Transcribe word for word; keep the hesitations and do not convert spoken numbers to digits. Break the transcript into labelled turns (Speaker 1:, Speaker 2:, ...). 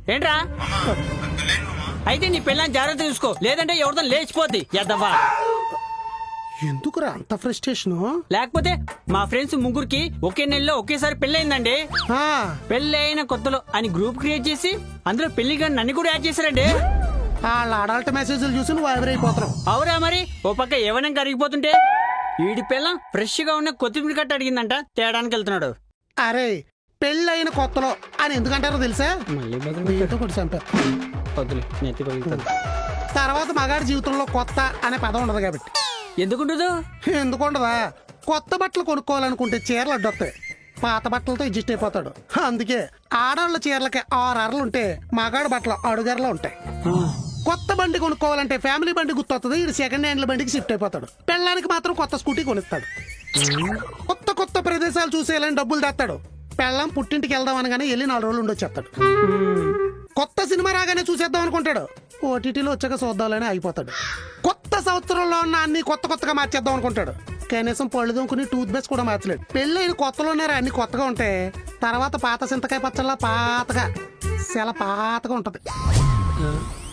Speaker 1: ఏంట్రా అయితే నీ పిల్లని జాగ్రత్త చూసుకో, లేదంటే ఎవరితో లేచిపోద్ది ఎద్దవా.
Speaker 2: ఎందుకురా అంత ఫ్రస్ట్రేషన్?
Speaker 1: లేకపోతే మా ఫ్రెండ్స్ ముగ్గురికి ఒకే నెలలో ఒకేసారి పెళ్ళయిందండి. పెళ్లి అయిన కొత్తలో అని గ్రూప్ క్రియేట్ చేసి అందులో పెళ్లి కానీ నన్ను కూడా యాడ్ చేశారండి.
Speaker 2: వాళ్ళ అడల్ట్ మెసేజ్లు చూసి నువ్వు ఎవరైపోతున్నావు.
Speaker 1: అవురా మరి, ఓ పక్క ఏవనం కరిగిపోతుంటే వీడి పిల్ల ఫ్రెష్ గా ఉన్న కొత్తిమీర కట్ట అడిగిందంట, తేడానికి వెళ్తున్నాడు.
Speaker 2: అరే పెళ్ళైన కొత్తలో అని ఎందుకంటారో తెలుసా? తర్వాత మగాడి జీవితంలో కొత్త అనే పదం ఉండదు కాబట్టి.
Speaker 1: ఎందుకుండదు?
Speaker 2: ఎందుకుండదా? కొత్త బట్టలు కొనుక్కోవాలనుకుంటే చీరలు అడ్డొస్తాయి, పాత బట్టలతో అడ్జస్ట్ అయిపోతాడు. అందుకే ఆడవాళ్ళ చీరలకి ఆరు అరలు ఉంటే మగాడి బట్టలు అడుగరలు ఉంటాయి. కొత్త బండి కొనుక్కోవాలంటే ఫ్యామిలీ బండి గుర్తొస్తుంది, ఇది సెకండ్ హ్యాండ్ల బండికి షిఫ్ట్ అయిపోతాడు. పెళ్ళానికి మాత్రం కొత్త స్కూటీ కొనిస్తాడు. కొత్త కొత్త ప్రదేశాలు చూసేయాలని డబ్బులు తెస్తాడు. పెళ్ళం పుట్టింటికి వెళ్దాం అనగానే వెళ్ళి నాలుగు రోజులు ఉండొచ్చేస్తాడు. కొత్త సినిమా రాగానే చూసేద్దాం అనుకుంటాడు, ఓటీటీలో వచ్చాక చూద్దామని అయిపోతాడు. కొత్త సంవత్సరంలో ఉన్న అన్ని కొత్త కొత్తగా మార్చేద్దాం అనుకుంటాడు, కనీసం పళ్ళు దొంకుని టూత్ బ్రష్ కూడా మార్చలేడు. పెళ్ళైన కొత్తలోనే అన్ని కొత్తగా ఉంటాయి, తర్వాత పాత చింతకాయ పచ్చళ్ళ పాతగా చాలా పాతగా ఉంటది.